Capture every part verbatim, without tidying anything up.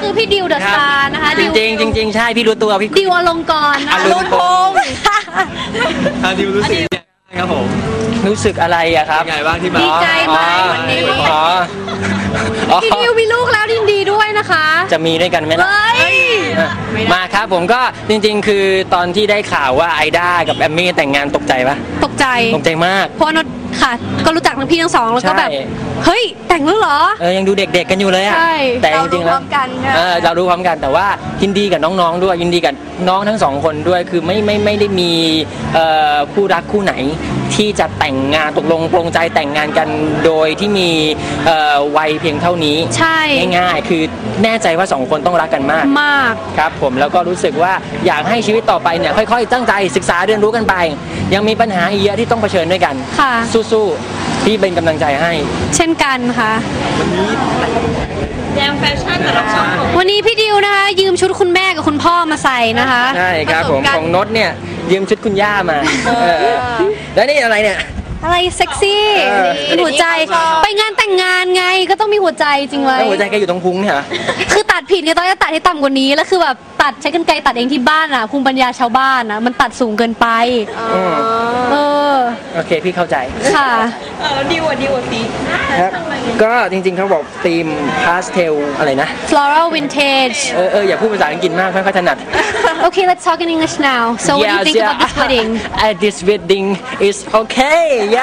คือพี่ดิวเดอะสตาร์นะคะจริงจริงจริงใช่พี่รู้ตัวพี่ดิวอลงกรณ์อลงพงษ์ดิวรู้สึกครับผมรู้สึกอะไรอะครับไงบ้างที่มาดีใจไหมวันนี้พี่ดิวมีลูกแล้วยินดีด้วยนะคะจะมีด้วยกันไหมล่ะมาครับผมก็จริงๆคือตอนที่ได้ข่าวว่าไอด้ากับแอมมี่แต่งงานตกใจปะตกใจตกใจมากเพราะนดค่ะก็รู้จักทั้งพี่ทั้งสองแล้วก็แบบเฮ้ยแต่งแล้วเหรอเออยังดูเด็กๆกันอยู่เลยอะแต่จริงๆแล้วเรารู้พร้อมกันแต่ว่ายินดีกับน้องๆด้วยยินดีกับน้องทั้งสองคนด้วยคือไม่ไม่ไม่ได้มีคู่รักคู่ไหนที่จะแต่งงานตกลงปลงใจแต่งงานกันโดยที่มีวัยเพียงเท่านี้ใช่ง่ายๆคือแน่ใจว่าสองคนต้องรักกันมากมากครับผมแล้วก็รู้สึกว่าอยากให้ชีวิตต่อไปเนี่ยค่อยๆตั้งใจศึกษาเรียนรู้กันไปยังมีปัญหาอีกเยอะที่ต้องเผชิญด้วยกันค่ะสู้ๆพี่เป็นกำลังใจให้เช่นกันค่ะวันนี้แยมแฟชั่นแต่ละคนวันนี้พี่ดิวนะคะยืมชุดคุณแม่กับคุณพ่อมาใส่นะคะใช่ครับผมของนดเนี่ยยืมชุดคุณย่ามาแล้วนี่อะไรเนี่ยอะไรเซ็กซี่หัวใจไปงานแต่งงานไงก็ต้องมีหัวใจจริงไว้หัวใจแกอยู่ตรงพุงเนี่ยคือตัดผิดเนี่ยต้องจะตัดให้ต่ำกว่านี้แล้วคือแบบตัดใช้กรรไกรตัดเองที่บ้านอ่ะภูมิปัญญาชาวบ้านอ่ะมันตัดสูงเกินไปเออโอเคพี่เข้าใจค่ะเออดีกว่าดีกว่าสีครับก็จริงๆเขาบอกธีมพาสเทลอะไรนะ floral vintage เออเอออย่าพูดภาษาอังกฤษมากไม่ค่อยถนัด Okay let's talk in English now so what do you think about this wedding this wedding is okay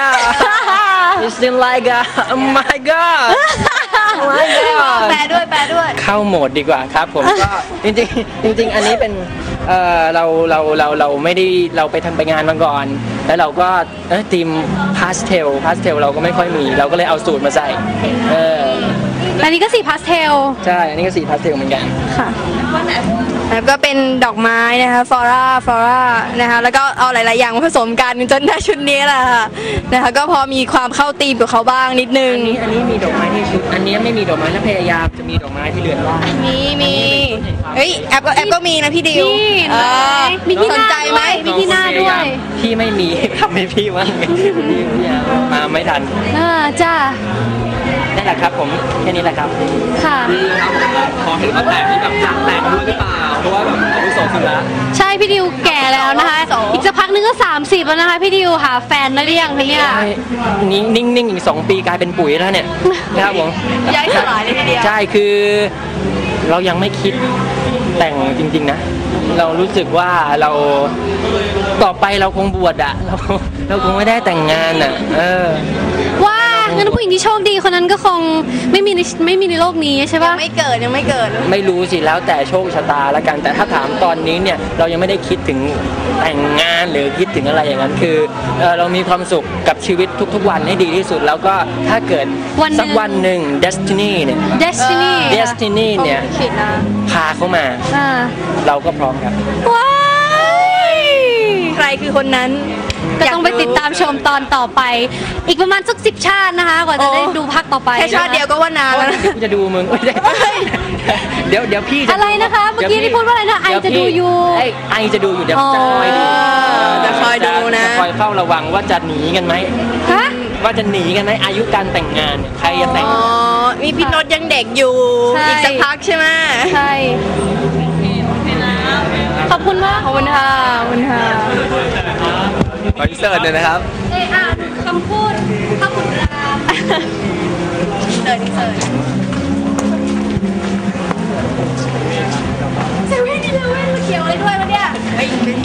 yeah it's still like oh my god แปลด้วยแปลด้วยเข้าโหมดดีกว่าครับผมก็จริงๆจริงๆอันนี้เป็นเออเราเราเราเราไม่ได้เราไปทำไปงานมาก่อนแล้วเราก็ธีมพาสเทลพาสเทลเราก็ไม่ค่อยมีเราก็เลยเอาสูตรมาใส่เอออันนี้ก็สีพาสเทลใช่อันนี้ก็สีพาสเทลเหมือนกันค่ะแล้วก็เป็นดอกไม้นะคะฟลอราฟลอรานะคะแล้วก็เอาหลายๆอย่างมาผสมกันจนได้ชุดนี้แหละค่ะนะคะก็พอมีความเข้าธีมกับเขาบ้างนิดนึงอันนี้อันนี้มีดอกไม้ที่ชุดอันนี้ไม่มีดอกไม้แล้วพยายามจะมีดอกไม้ที่เรือนว่างมีมีเฮ้ยแอปก็แอปก็มีนะพี่ดิวมีที่สนใจไหมมีที่หน้าด้วยพี่ไม่มีทำให้พี่ว่างพี่มาไม่ทันอ่าจ้านั่นแหละครับผมแค่นี้แหละครับค่ะขอให้เขาแต่งที่แบบอยากแต่งด้วยหรือเปล่าเพราะว่าแบบอาวุโสขึ้นแล้วใช่พี่ดิวแก่แล้วนะคะอีกสักพักนึงก็สามสิบแล้วนะคะพี่ดิวหาแฟนได้หรือยังคะเนี่ยนิ่งนิ่งนิ่งอีกสองปีกลายเป็นปุ๋ยแล้วเนี่ยนะครับผมย้ายสลายเลยทีเดียวใช่คือเรายังไม่คิดแต่งจริงๆนะเรารู้สึกว่าเราต่อไปเราคงบวชอะเราเราคงไม่ได้แต่งงานอะเออว่างั้นผู้หญิงที่โชคดีคนนั้นก็คงไม่มีไม่มีในโลกนี้ใช่ปะยังไม่เกิดยังไม่เกิดไม่รู้สิแล้วแต่โชคชะตาละกันแต่ถ้าถามตอนนี้เนี่ยเรายังไม่ได้คิดถึงแต่งงานหรือคิดถึงอะไรอย่างนั้นคือเรามีความสุขกับชีวิตทุกๆวันให้ดีที่สุดแล้วก็ถ้าเกิดสักวันหนึ่ง destiny เนี่ย destiny destiny เนี่ยพาเขามาเราก็พร้อมครับว้ายใครคือคนนั้นก็ต้องไปติดตามชมตอนต่อไปอีกประมาณสักสิบชาตินะคะกว่าจะได้ดูภาคต่อไปแค่ชาติเดียวก็ว่านานแล้วจะดูมึงเดี๋ยวเดี๋ยวพี่อะไรนะคะเมื่อกี้ที่พูดว่าอะไรนะไอจะดูอยู่ไอจะดูอยู่เดี๋ยวจะคอยดูจะคอยดูนะคอยเฝ้าระวังว่าจะหนีกันไหมฮะว่าจะหนีกันไหมอายุการแต่งงานใครจะแต่งอ๋อมีพี่นดยังเด็กอยู่อีกสักพักใช่ไหมใช่ขอบคุณมากขอบคุณค่ะขอบคุณค่ะขออินเสิร์ตเลยนะครับเอออ่านคำพูดข้าคุณรามเสิร์ตเสิร์ต